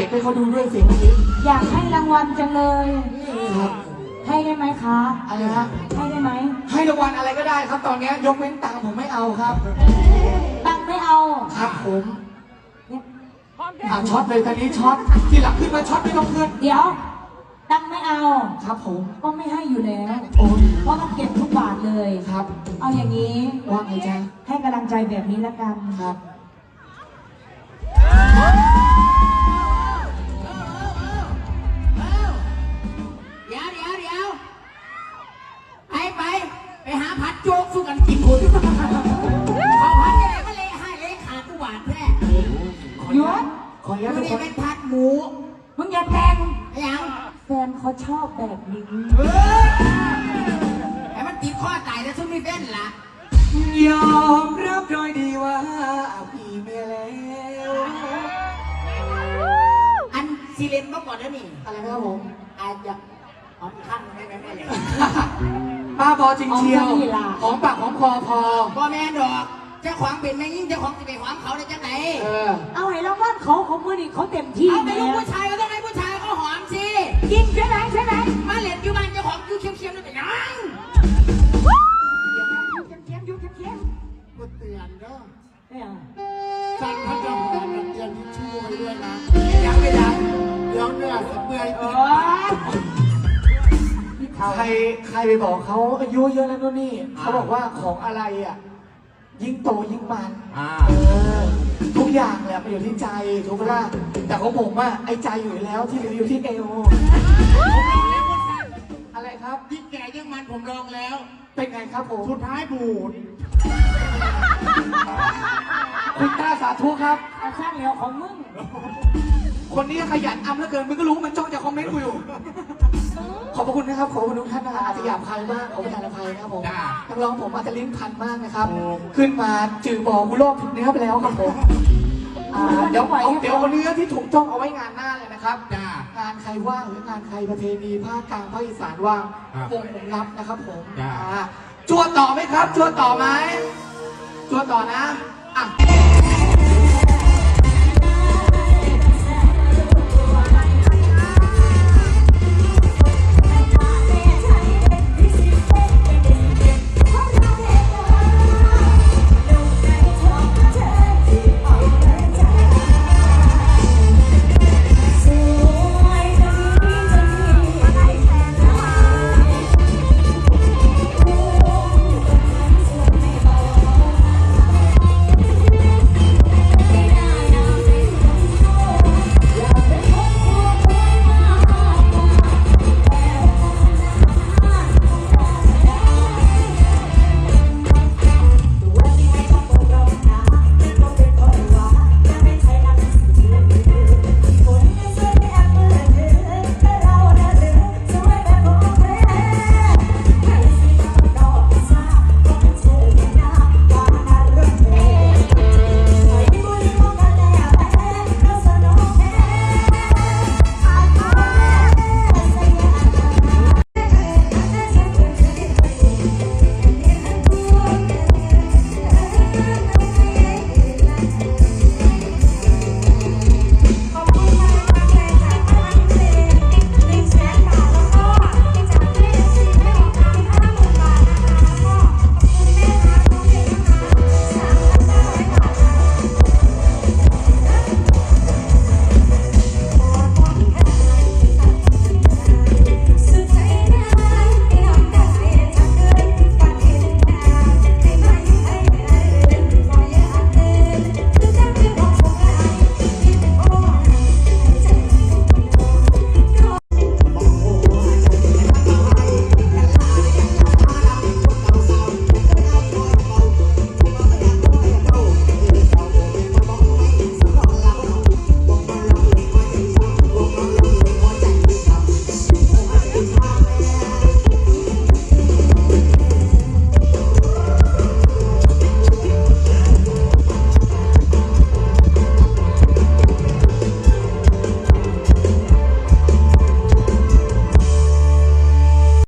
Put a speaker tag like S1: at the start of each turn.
S1: ฟให้เขาดูด้วยเสียงนี้
S2: อยากให้รางวัลจังเลย
S1: ครับ
S2: ให้ได้ไหมคะ
S1: อะไรฮะ
S2: ให้ได้ไหม
S1: ให้รางวัลอะไรก็ได้ครับตอนนี้ยกเว้นตังค์ผมไม่เอาครับ
S2: ตังไม่เอา
S1: ครับผมช็อตเลยตอนนี้ช็อตที่หลังขึ้นมาช็อตไม่ต้องเพื่อน
S2: เดี๋ยวตังไม่เอา
S1: ครับผม
S2: ก็ไม่ให้อยู่แล้ว
S1: โอ้
S2: เพราะต้องเก็บทุกบาทเลย
S1: ครับ
S2: เอาอย่างนี้
S1: ว่าไงจ๊ะ
S2: ให้กำลังใจแบบนี้ละกัน
S1: ครับ
S3: เดี๋ยวไปหาผัดโจ๊กสู้กันกินคนเขาผัดยังไงก็เละให้เละขาดทุกบาทแท้
S2: หยุด
S1: ขออนุญาตทุกคน
S3: เป็นผัดหมู
S2: มึงอย่าแต่ง
S3: ยัง
S2: แฟนเขาชอบแบบนี้
S3: ไอ้มันติดข้อตายแล้วซึ่งไม่เป็นล่ะ
S1: ยอมรับโดยดีว่าพี่เมียแล้ว
S3: อันซีเลนมาก่อนแล้วนี่
S1: อะไรนะครับผม
S3: อาจจะหอมข้างไม่เลย
S1: ป้าบอจริงเชียวหอมปากหอมคอพอ
S3: พ่อแม่ดอกเจ้าของเป็นแม่ยิ่งเจ้าของจะไปหอมเขาได้จังไหน
S2: เอาให้รางวัลเขามือนี่เขาเต็มที่
S3: เอาไปลูกผู้ชายก็ต้องให้ผู้ชายเขาหอมสิ
S2: ยิงใช่ไหม
S3: มาเหรียญอยู่บ้านเจ้าของยูเค็มๆเลยเป็นยัง
S2: ยูเค็ม
S4: ก็เตือนเนาะ
S2: เนี่ย
S4: สั่งท่านเจ้าของเตือนที่ช่วยด้วยนะ
S3: ยังไม่ดัง
S4: เดี๋ยวเนี่ยจะเปื่อย
S1: ใครไปบอกเขาอายุเยอะแล้วนู่นนี่เขาบอกว่าของอะไรอ่ะยิ่งโตยิ่งมันทุกอย่างแหละมันอยู่ที่ใจถูกไหมล่ะแต่ของผมอ่ะไอ้ใจอยู่แล้วที่เหลืออยู่ที่เอวอะไรครับ
S4: ยิ่งแก่ยิ่งมันผมลองแล้ว
S1: เป็นไงครับผม
S4: สุดท้ายบูด
S1: คุณตาสาธุครับ
S2: สร้างเหลียวของมึง
S1: คนนี้ขยันอำเหลือเกินมึงก็รู้มันจ้องจะคอมเมนต์กูอยู่ขอบพระคุณนะครับขอบคุณทุกท่านนะครับอาจจะหยาบคายมากขอประทานอภัยนะครับผมนักร้องผมอาจจะลิ้นพันมากนะครับขึ้นมาจือบอกกูโลกผิดเนื้อไปแล้วครับผมเดี๋ยวเอาเนื้อที่ถูกต้องเอาไว้งานหน้าเลยนะครับงานใครว่างหรืองานใครประเพณีภาคกลางภาคอีสานว่างวงผมรับนะครับผมจวดต่อไหมครับจวดต่อไหมจวดต่อนะอ่ะ